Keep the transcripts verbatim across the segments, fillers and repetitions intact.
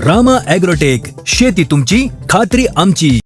Rama agrotech, शेती तुमची, खात्री आमची.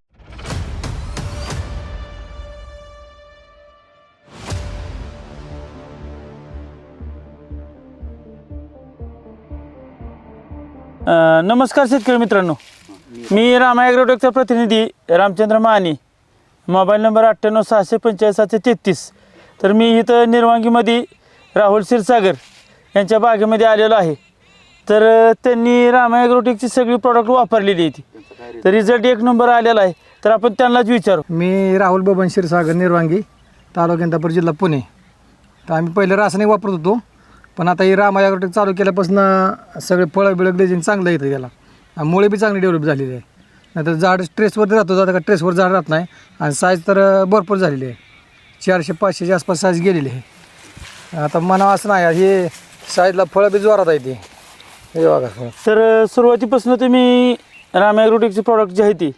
नमस्कार शेतकरी मित्रांनो, मी रामा ॲग्रोटेकचा प्रतिनिधी रामचंद्र माने. मोबाईल नंबर अठ्ठ्याण्णव सहाशे पंचेचाळीस सातशे तेहतीस. तर मी इथं निर्वांगीमध्ये राहुल क्षीरसागर यांच्या बागेमध्ये आलेलो आहे. तर त्यांनी रामा ॲग्रोटेकची सगळी प्रॉडक्ट वापरलेली आहे, तर रिझल्ट एक नंबर आलेला आहे. तर आपण त्यांनाच विचारू. मी राहुल बबन क्षीरसागर निर्वांगी, तालुका इंदापूर, जिल्हा पुणे. तर आम्ही पहिले रासायनिक वापरत होतो, पण आता ही रामा ॲग्रोटेक चालू केल्यापासून सगळे फळं बिळं ग्लेजिंग चांगलं येतं त्याला, आणि मुळे बी चांगली डेव्हलप झालेली आहे. नाहीतर झाड स्ट्रेसवरती राहतो, जातं का ट्रेसवर झाड राहत नाही, आणि साईज तर भरपूर झालेली आहे. चारशे पाचशेच्या आसपास साईज गेलेली आहे. आता म्हणावं असं नाही, हे साईजला फळं बी जोरात आहे ते. हे बघा. तर सुरुवातीपासून तुम्ही रामा ॲग्रोटेकची प्रॉडक्ट जी आहे ती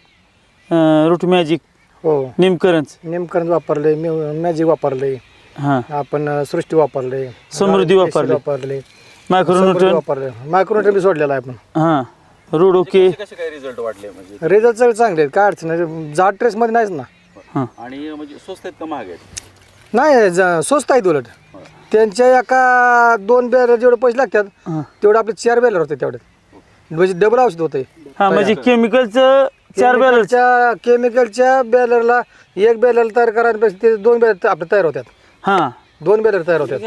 रूट मॅजिक, हो, निमकरंज निमकरंज वापरले, मॅजिक वापरले, हां, आपण सृष्टी वापरले, समृद्धी वापरले, वापरले, मायक्रोन्यूट्रन वापरले, मायक्रोन्यूट्रन बी सोडलेला आहे आपण. हां, रोडोके. कसे काय रिझल्ट वाटले म्हणजे? रिझल्ट सगळे चांगले आहेत, काय अडचण नाही. जाड ट्रेसमध्ये नाहीच ना. हां, आणि म्हणजे स्वस्त आहेत का महाग आहेत? नाही, ज- स्वस्त आहेत उलट. त्यांच्या एका दोन बॅलर जेवढे पैसे लागतात हां. तेवढे आपले चार बॅलर होते तेवढ्यात, म्हणजे डबल औषध होते. हां, म्हणजे केमिकलचं चार बॅलर. केमिकलच्या केमिकलच्या बॅलरला एक बॅलर तयार करायपेक्षा ते दोन बॅलर आपले तयार होतात. हां, दोन बॅलर तयार होतात.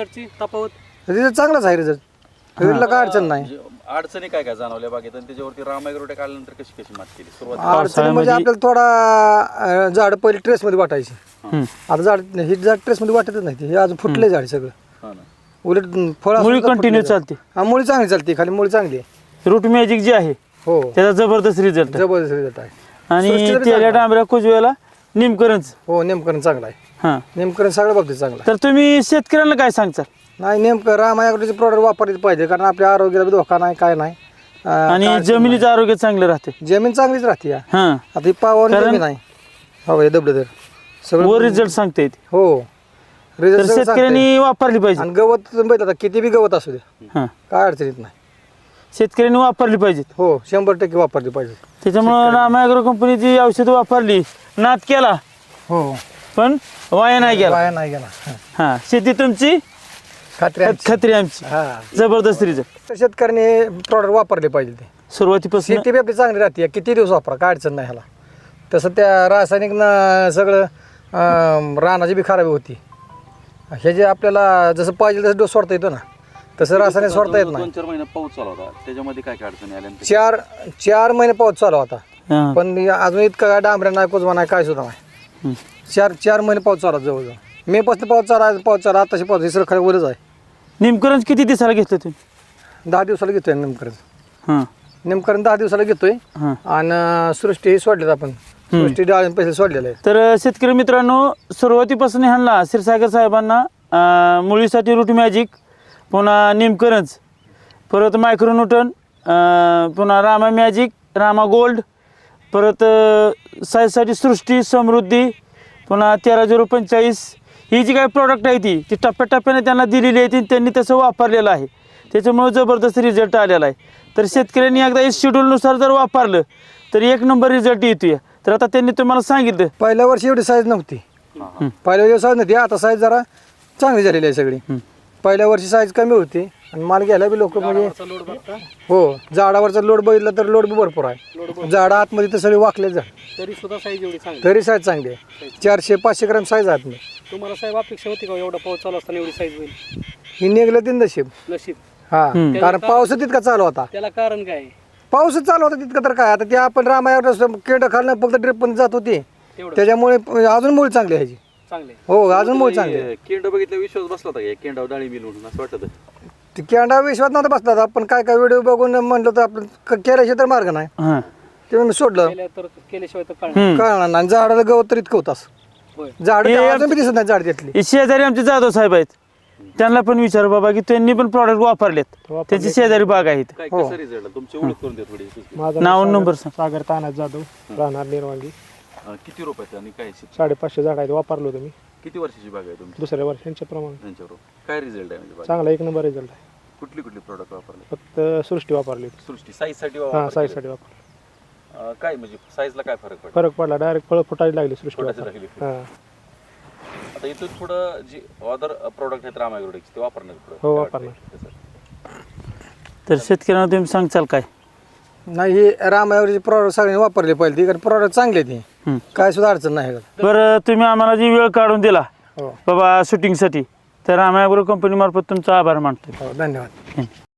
रिझल्ट चांगलाच आहे. रिझल्ट रिझल्टला काय अडचण नाही. म्हणजे अडचणी काय काय जाणवल्या बागेत, आणि त्याच्यावरती रामा ॲग्रोटेक आल्यानंतर कशी कशी मात केली सुरुवात? अडचण म्हणजे पावसाळ्यामध्ये- आपल्याला थोडा अं, झाड पहिले ट्रेसमध्ये वाटायची. हं. आता झाड ही झाड ट्रेसमध्ये वाटतच नाही, ते हे अजून फुटले झाड सगळं. हा ना. उलट फळ मुळी कंटिन्यू चालते. हा, मुळी चांगली चालते, खाली मुळी चांगली आहे. रूट मॅजिक जे आहे हो, त्याचा जबरदस्त रिझल्ट आहे. जबरदस्त रिझल्ट आहे. आणि सृष्टीला बी तेल्या चांगला आहे. डांबऱ्या कुजव्याला निमकरंज. हो, नेमकरण चांगला आहे. हां, नेमकरण सगळ्या बाबतीत चांगला आहे. तर तुम्ही शेतकऱ्यांना काय सांगताल? नाही, नेमकं रामा ॲग्रोटेकचे प्रॉडक्ट वापरले पाहिजे, कारण आपल्या आरोग्याला बी धोका नाही, काय नाही. अं, आणि काय जमिनीचं आरोग्य चांगलं राहते. जमीन चांगलीच राहते. या हां, आता ही पावन कारण- जमीन आहे. हो, हे दबलं तर वर सगळं रिझल्ट सांगता येते. हो, तर रिझल्ट सगळं सांगता येईल. शेतकऱ्यांनी वापरली पाहिजे. आणि गवत तुम्ही बघितलं, आता किती बी गवत असू दे, हां, काय अडचण येत नाही. शेतकऱ्यांनी वापरली पाहिजेत. हो, शंभर टक्के वापरली पाहिजे. त्याच्यामुळं रामा ॲग्रो कंपनीची औषधं वापरली, नाद केला, हो, पण वाया नाही गेला. वाया नाही गेला. हां, शेती तुमची, खात्री खत- खात्री आमची. हा, जबरदस्त रिझल्ट. तर शेतकऱ्याने प्रॉडक्ट वापरले पाहिजे. ते सुरुवातीपासून शेती बी आपली चांगली राहते, किती दिवस वापरा, काय अडचण नाही ह्याला. तसं त्या रासायनिक न सगळं अं, रानाची बी खराबी होती. हे जे आपल्याला जसं पाहिजे तसं डोस सोडता येतो ना, तसं रासायनिक सोडता येत नाही. दोन चार महिने पाऊस चालू होता, त्याच्यामध्ये काय काय अडचणी आल्या? चार चार महिने पाऊस चालू होता, हां, पण अजून इतकं काय डांबऱ्या नाही, कुजवा नाही, काय सुद्धा नाही. हं. चार चार महिने पाऊस चालू होता जवळजवळ. मे पासून पाऊस चालू आहे, पाऊस चालू आताशी पाऊस इसरं खाली वरच आहे. निमकरंज किती दिवसाला घेतलं तुम्ही? दहा दिवसाला घेतोय नेमकरण. हां, नेमकरण दहा दिवसाला घेतोय. हां. आणि सृष्टी ही सोडलेत आपण, सृष्टी डाळ पैसे सोडलेले आहे. तर शेतकरी मित्रांनो, सुरुवातीपासून ह्यांना क्षीरसागर साहेबांना अं, मुळीसाठी रूट मॅजिक, पुन्हा निमकरंज, परत मायक्रोन्यूटन, अं, पुन्हा रामा मॅजिक, रामा गोल्ड, परत अं, साईजसाठी सृष्टी, समृद्धी, पुन्हा तेरा झिरो पंचेचाळीस, ही जी काही प्रॉडक्ट आहे ती ती टप्प्याटप्प्याने त्यांना दिलेली आहे, ती त्यांनी तसं वापरलेलं आहे. त्याच्यामुळे जबरदस्त रिझल्ट आलेला आहे. तर शेतकऱ्यांनी एकदा या शेड्यूलनुसार जर वापरलं तर एक नंबर रिझल्ट येतोय. तर आता त्यांनी तुम्हाला सांगितलं. पहिल्या वर्षी एवढी साईज नव्हती, पहिल्या वर्षी साईज नव्हती. आता साईज जरा चांगली झालेली आहे सगळी. पहिल्या वर्षी साईज कमी होती, आणि माल घ्यायला बी लोक म्हणजे हो, झाडावरचा लोड बघितला तर लोड बी भरपूर आहे. झाडं आतमध्ये तर सगळे वाकले झाड, तरी सुद्धा साईज एवढी चांगली. तरी साईज चांगली आहे. चारशे पाचशे ग्राम साईज आहे आतमध्ये. तुम्हाला साहेब अपेक्षा होती का एवढा पाऊस चालू असताना एवढी साईज होईल? ही निघलं तीन नशीब. नशीब. हा, कारण पाऊस तितका चालू होता. त्याला कारण काय आहे? पाऊसच चालू होता तितकं, तर काय आता ते आपण रामायण केंड खाल्लं फक्त ड्रिप पण जात होती, तेवढं त्याच्यामुळे अजून मूळ चांगली ह्याची. चांगले. हो, अजून मूळ चांगली आहे. केंड बघितलं विश्वास बसला होता का केंडाव डाळी मिळून असं वाटत? ती केंडा विश्वास नव्हता बसला, आपण काय काय व्हिडिओ बघून म्हणलं तर आपण क- केल्याशिवाय तर मार्ग नाही, हां, ते मी सोडलं. केल्या तर केल्याशिवाय तर काय हं. कळणार नाही. झाडाला गवत तर इतकं होतास, होय. झाड हे अजून बी दिसत नाही झाड त्यातली. हे शेजारी आमचे जाधव साहेब आहेत, त्यांना पण विचार बाबा की त्यांनी पण प्रॉडक्ट वापरलेत. त्यांची शेजारी बाग आहेत. काय कसं रिझल्ट? तुमची ओळख करून द्या थोडी. माझं नाव नंबर सांग. सागर तानाज जाधव, राहणार निर्वांगी. अं, किती रुपयाचं आणि काय शेती? साडेपाचशे झाड आहेत, वापरलो तुम्ही किती वर्षाची बाग आहे तुमची? दुसऱ्या वर्षांच्या प्रमाणे. त्यांच्याबरोबर काय रिझल्ट आहे म्हणजे बाग? चांगला एक नंबर रिझल्ट आहे. कुठली कुठली प्रोडक्ट वापरले? फक्त सृष्टी वापरली. सृष्टी साईजसाठी हां वापरले? साईजसाठी वापरली. अं, काय म्हणजे साईजला काय फरक पडतो? फरक पडला, डायरेक्ट फळं फुटायला लागली सृष्टी फुटायला वापरली. लागली. हां आता इथून थोडं जे अदर प्रोडक्ट आहेत राम ॲग्रोटेकचे ते वापरणार पुढं? हो, काय वापरणार. वाटतंय त्याचं? तर शेतकऱ्यांना तुम्ही सांगचाल काय? नाही हे रामायवरचे प्रॉडक्ट सगळ्यांनी वापरले पाहिजे ती, कारण प्रॉडक्ट चांगले ते हं. काय सुद्धा अडचण नाही ह्याच्यात. बरं तुम्ही आम्हाला जी वेळ काढून दिला हो बाबा शूटिंगसाठी, तर आम्ही कंपनी मार्फत तुमचा आभार मानतो. हो धन्यवाद.